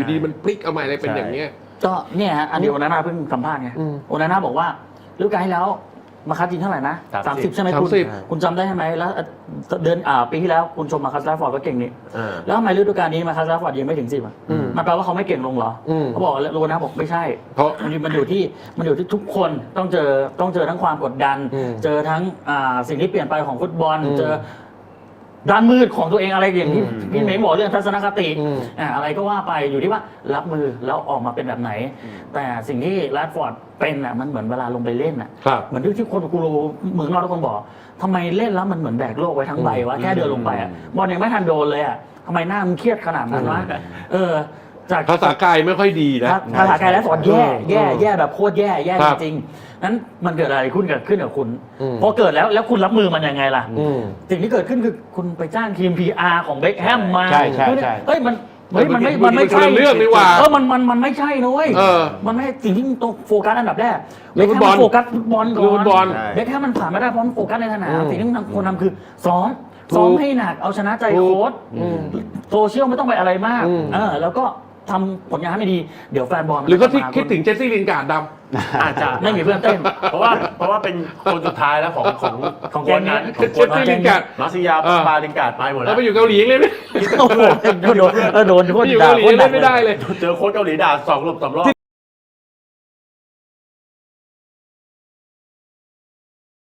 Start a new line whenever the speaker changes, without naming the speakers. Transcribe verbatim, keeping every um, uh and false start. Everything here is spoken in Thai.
อยู่ดีมันพลิกเอาใหม่อะไรเป็นอย่างเงี้ย
ก็เนี่ยฮะอันนี้โอนาน่าเพิ่งสัมภาษณ์ไงโอนาน่าบอกว่าฤดูกาลที่แล้วมาคัสจริงเท่าไหร่นะสามสิบใช่ไหมคุณคุณจำได้ใช่ไหมแล้วเดือนอ่าปีที่แล้วคุณชมมาคัสแรดฟอร์ดก็เก่งนี่แล้วทำไมฤดูกาลนี้มาคัสแรดฟอร์ดยังไม่ถึงสิบอ่ะมันแปลว่าเขาไม่เก่งลงเหรอเขาบอกโอนาน่าบอกไม่ใช่เพราะมันอยู่ที่มันอยู่ที่ทุกคนต้องเจอต้องเจอทั้งความกดดันเจอทั้งอ่าสิ่งที่เปลี่ยนไปของฟุตบอลเจอด้านมืดของตัวเองอะไรอย่างที่พี่เม้งบอกเรื่องทัศนคติอะไรก็ว่าไปอยู่ที่ว่ารับมือแล้วออกมาเป็นแบบไหนแต่สิ่งที่แรดฟอร์ดเป็นอ่ะมันเหมือนเวลาลงไปเล่นอ่ะเหมือนที่คนกูรู้เหมือนเราทุกคนบอกทำไมเล่นแล้วมันเหมือนแบกโลกไว้ทั้งใบวะแค่เดินลงไปอ่ะบอลยังไม่ทันโดนเลยอ่ะทำไมหน้ามันเครียดขนาดนั้นวะเออ
จากภาษากายไม่ค่อยดีนะ
ภาษากายแรดฟอร์ดแย่แย่แย่แบบโคตรแย่แย่จริงนั้นมันเกิดอะไรขึ้นเกิดขึ้นกับคุณพอเกิดแล้วแล้วคุณรับมือมันยังไงล่ะสิ่งที่เกิดขึ้นคือคุณไปจ้างทีม พี อาร์ ของเบ็คแฮมมา
ใช่ใช่ใช่
เฮ้ยมันเฮ้ยมันไม่มันไม่ใช่
เรื่องนี่ว่า
เออมันมันมันไม่ใช่นะเว้ยมันไม่สิ่งที่ต้องโฟกัสอันดับแรกเบ็คแฮมโฟกัสฟุตบอลก่อนเบ็คแฮมมันผ่านไม่ได้เพราะมันโฟกัสในสนามสิ่งที่ควรทำคือซ้อมซ้อมให้หนักเอาชนะใจโค้ชโซเชียลไม่ต้องไปอะไรมากเออแล้วก็ทำผลงานให้ไม่ดีเดี๋ยวแฟนบอล
หรือก็ที่คิดถึงเจสซี่ลินการ์ดด
ำอาจจะ
ไม่มีเพื่อนเต้น
เพราะว่าเพราะว่าเป็นคนสุดท้ายแล้วของของ
ของ
คนนั้นของคนนั้นมาซิยาบาลินการ์ดไปหมดแล้ว
ไปอยู่เกาหลีเลย
โอ้โหโดนโดนโดน
อยู่เกาหลีเล่นไม่ได้เลย
เจอโค้ชเกาหลีด่าสองรอบสามรอบ